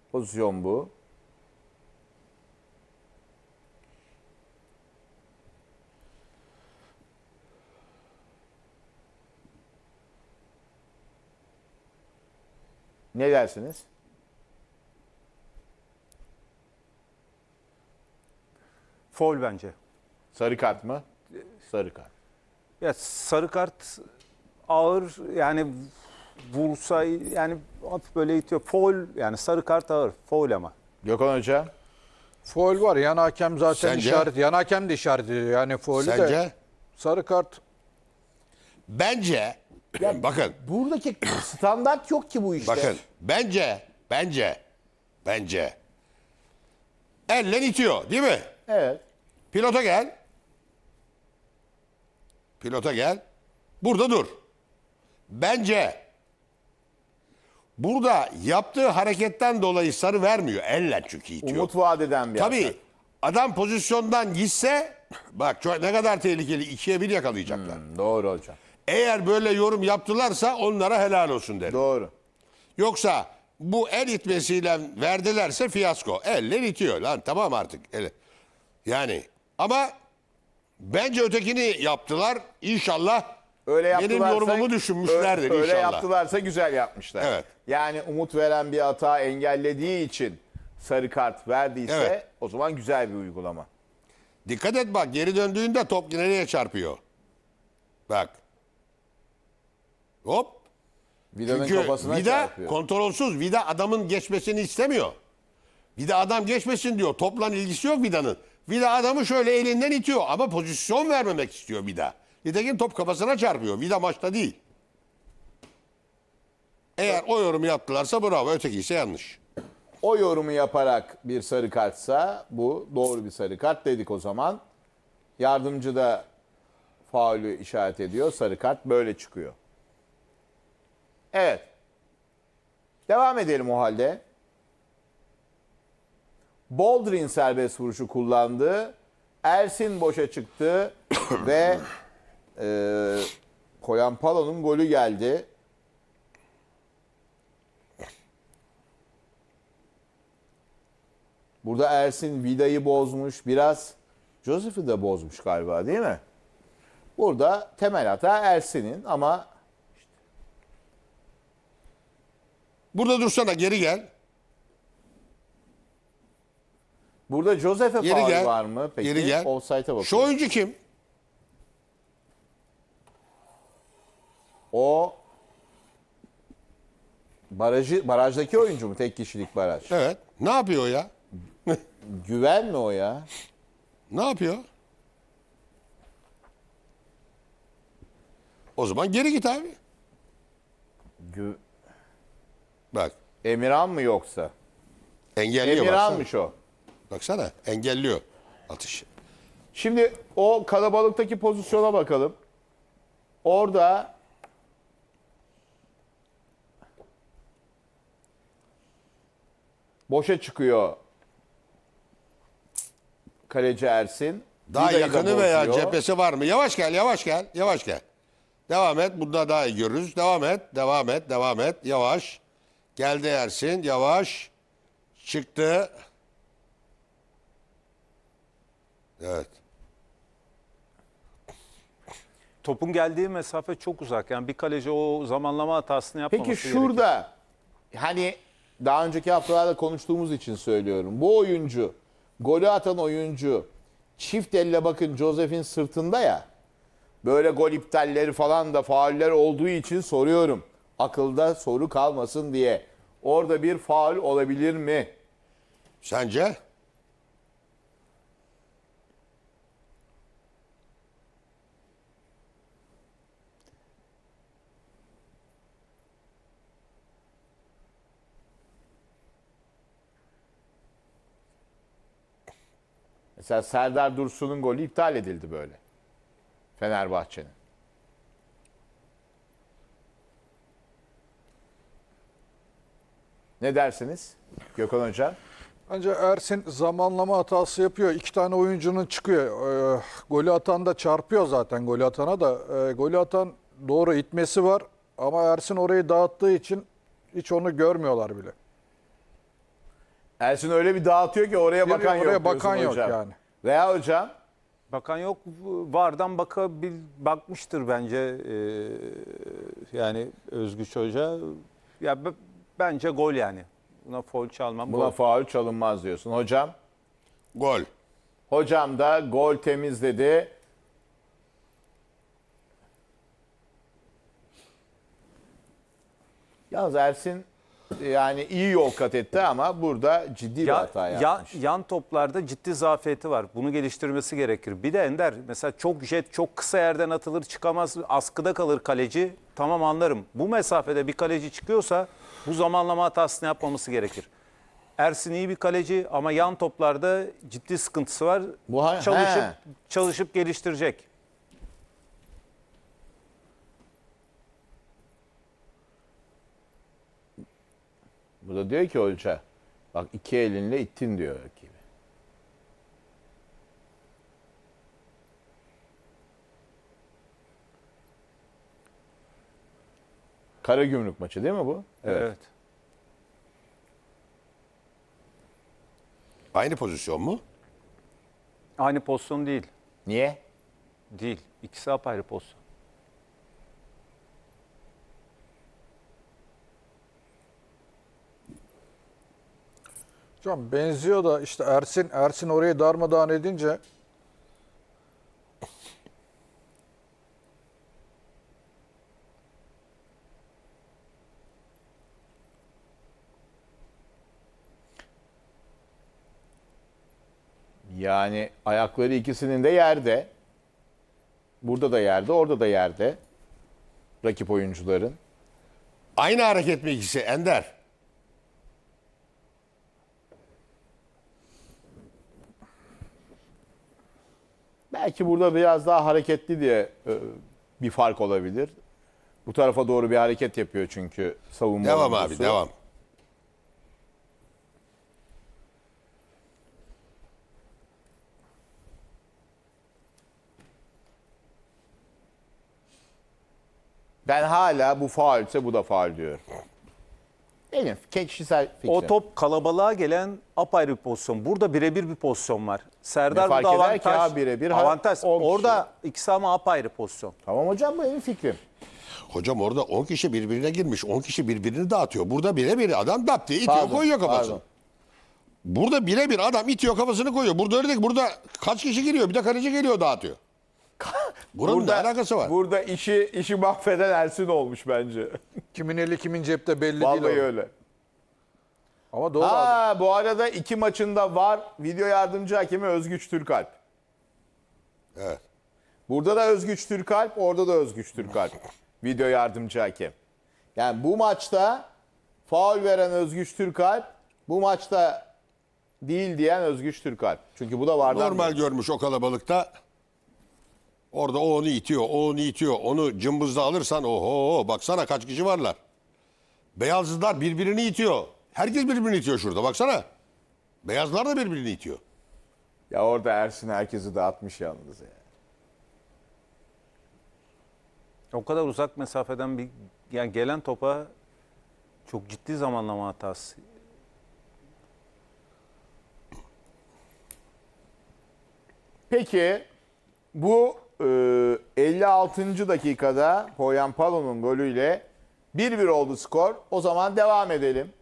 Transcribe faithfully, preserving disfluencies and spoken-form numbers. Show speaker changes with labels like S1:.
S1: Pozisyon bu. Ne dersiniz?
S2: Faul bence.
S1: Sarı kart mı? Sarı kart.
S2: Ya sarı kart ağır, yani vursa yani hafif böyle itiyor. Faul, yani sarı kart ağır. Faul ama.
S1: Gökhan Hoca.
S3: Faul var. Yan hakem zaten
S4: Sence?
S3: işaret. Yan hakem de işaret ediyor. Yani faulü de.
S4: Sence?
S3: Sarı kart.
S4: Bence, bakın,
S1: Buradaki standart yok ki bu işte.
S4: bakın, bence, bence, bence elle itiyor değil mi?
S1: Evet.
S4: Pilota gel. Pilota gel. Burada dur. Bence burada yaptığı hareketten dolayı sarı vermiyor. Elle çünkü itiyor.
S1: Umut vaat eden bir
S4: Tabii
S1: atak.
S4: adam pozisyondan gitse bak çok, ne kadar tehlikeli. İkiye bir yakalayacaklar.
S1: Hmm, doğru hocam.
S4: Eğer böyle yorum yaptılarsa onlara helal olsun derim.
S1: Doğru.
S4: Yoksa bu el itmesiyle verdilerse fiyasko. Eller itiyor lan, tamam artık. El. Yani ama bence ötekini yaptılar. İnşallah
S1: Öyle
S4: benim
S1: yaptılarsa,
S4: yorumumu düşünmüşlerdir
S1: öyle
S4: inşallah.
S1: yaptılarsa güzel yapmışlar.
S4: Evet.
S1: Yani umut veren bir hata engellediği için sarı kart verdiyse
S4: Evet.
S1: o zaman güzel bir uygulama.
S4: Dikkat et bak, geri döndüğünde top nereye çarpıyor. Bak. Hop.
S1: Vida'nın
S4: Çünkü
S1: kafasına
S4: vida
S1: çarpıyor.
S4: kontrolsüz. Vida adamın geçmesini istemiyor. Vida adam geçmesin diyor. Topla ilgisi yok Vida'nın. Vida adamı şöyle elinden itiyor ama pozisyon vermemek istiyor Vida. Nitekim top kafasına çarpıyor. Vida maçta değil. Eğer o yorumu yaptılarsa bravo. Öteki ise yanlış.
S1: O yorumu yaparak bir sarı kartsa bu doğru bir sarı kart dedik o zaman. Yardımcı da faulü işaret ediyor. Sarı kart böyle çıkıyor. Evet. Devam edelim o halde. Boldrin serbest vuruşu kullandı. Ersin boşa çıktı ve e, Koyampalo'nun golü geldi. Burada Ersin Vida'yı bozmuş. Biraz Joseph'i de bozmuş galiba, değil mi? Burada temel hata Ersin'in ama
S4: Burada dursana, geri gel.
S1: burada Joseph'e
S4: Geri
S1: faul
S4: gel.
S1: var mı? Peki
S4: Geri gel.
S1: offside'a bakıyor.
S4: Şu oyuncu kim?
S1: O barajı barajdaki oyuncu mu? Tek kişilik baraj.
S4: Evet. Ne yapıyor o ya?
S1: Güven mi o ya?
S4: Ne yapıyor? O zaman geri git abi.
S1: Gü-
S4: Bak.
S1: Emirhan mı yoksa?
S4: Engelliyor baksana.
S1: Emirhan'mış o.
S4: Baksana, engelliyor atışı.
S1: Şimdi o kalabalıktaki pozisyona bakalım. Orada boşa çıkıyor kaleci Ersin.
S4: Daha
S1: Vida'yı da
S4: yakını veya
S1: bozuyor.
S4: cephesi var mı? Yavaş gel, yavaş gel, yavaş gel. Devam et, bunda daha iyi görürüz. Devam et, devam et, devam et. Yavaş. Geldi Ersin, yavaş. Çıktı. Evet.
S2: Topun geldiği mesafe çok uzak. Yani bir kaleci o zamanlama hatasını yapmaması
S1: Peki
S2: gerekiyor.
S1: şurada hani daha önceki haftalarda konuştuğumuz için söylüyorum. Bu oyuncu, golü atan oyuncu çift elle bakın Joseph'in sırtında ya. Böyle gol iptalleri falan da fauller olduğu için soruyorum. Akılda soru kalmasın diye. Orada bir faul olabilir mi?
S4: Sence?
S1: Mesela Serdar Dursun'un golü iptal edildi böyle. Fenerbahçe'nin. Ne dersiniz Gökhan Hoca?
S3: Bence Ersin zamanlama hatası yapıyor. İki tane oyuncunun çıkıyor. Ee, golü atan da çarpıyor zaten golü atana da. Ee, golü atan doğru itmesi var. Ama Ersin orayı dağıttığı için hiç onu görmüyorlar bile.
S1: Ersin öyle bir dağıtıyor ki oraya
S3: Giriyor,
S1: bakan yok.
S3: oraya bakan
S1: diyorsun
S3: yok
S1: hocam.
S3: yani.
S1: Veya hocam
S2: Bakan yok. Vardan bakabil, bakmıştır bence e, yani Özgüç Hoca. Ya b- bence gol yani. Buna foul çalmam.
S1: buna
S2: Gol.
S1: faul çalınmaz diyorsun. Hocam
S4: Gol.
S1: hocam da gol temizledi. Yalnız Ersin yani iyi yol kat etti ama burada ciddi bir
S2: Ya,
S1: hata
S2: ya-
S1: yapmış.
S2: yan toplarda ciddi zafiyeti var. Bunu geliştirmesi gerekir. Bir de Ender mesela çok jet, çok kısa yerden atılır çıkamaz. Askıda kalır kaleci. Tamam anlarım. Bu mesafede bir kaleci çıkıyorsa bu zamanlama hatasını yapmaması gerekir. Ersin iyi bir kaleci ama yan toplarda ciddi sıkıntısı var.
S1: Bu ha-
S2: çalışıp
S1: he.
S2: çalışıp geliştirecek.
S1: Burada diyor ki hoca bak iki elinle ittin diyor rakibi. Karagümrük maçı değil mi bu?
S2: Evet.
S4: Aynı pozisyon mu?
S2: Aynı pozisyon değil.
S1: Niye?
S2: Değil. İkisi apayrı pozisyon.
S3: Hocam benziyor da işte Ersin Ersin orayı darmadağın edince
S1: Yani ayakları ikisinin de yerde. Burada da yerde, orada da yerde. Rakip oyuncuların.
S4: Aynı hareket mi ikisi Ender?
S1: Belki burada biraz daha hareketli diye e, bir fark olabilir. Bu tarafa doğru bir hareket yapıyor çünkü savunma
S4: Devam
S1: oyuncusu.
S4: abi devam.
S1: Ben hala bu faulse bu da faul diyorum. Benim kişisel fikrim.
S2: O top kalabalığa gelen apayrı bir pozisyon. Burada birebir bir pozisyon var. Serdar
S1: Ne fark
S2: burada
S1: eder ki
S2: avantaj.
S1: abi birebir? Ha,
S2: avantaj.
S1: on kişi.
S2: Orada ikisi ama apayrı pozisyon.
S1: Tamam hocam bu benim fikrim.
S4: Hocam orada on kişi birbirine girmiş. on kişi birbirini dağıtıyor. Burada birebir adam dap diye itiyor
S1: Pardon,
S4: koyuyor kafasını.
S1: pardon.
S4: Burada birebir adam itiyor kafasını koyuyor. Burada öyle değil. Burada kaç kişi giriyor? Bir de kaleci geliyor dağıtıyor. Buranın ne alakası var?
S1: Burada işi işi mahveden Ersin olmuş bence.
S3: kimin eli kimin cepte belli
S1: Vallahi
S3: değil. o.
S1: öyle.
S3: Ama doğru abi.
S1: Ha bu arada iki maçında var video yardımcı hakemi Özgüç Türkalp.
S4: Evet.
S1: Burada da Özgüç Türkalp, orada da Özgüç Türkalp. Video yardımcı hakem. Yani bu maçta faul veren Özgüç Türkalp, bu maçta değil diyen Özgüç Türkalp. Çünkü bu da vardan.
S4: Normal görmüş o kalabalıkta. Orada o onu itiyor, o onu itiyor. Onu cımbızla alırsan oho baksana kaç kişi varlar. Beyazlılar birbirini itiyor. Herkes birbirini itiyor şurada baksana. Beyazlar da birbirini itiyor.
S1: Ya orada Ersin herkesi dağıtmış yalnız ya.
S2: O kadar uzak mesafeden bir yani gelen topa çok ciddi zamanlama hatası.
S1: Peki bu e, elli altıncı dakikada Poyan Palo'nun golüyle bir bir oldu skor. O zaman devam edelim.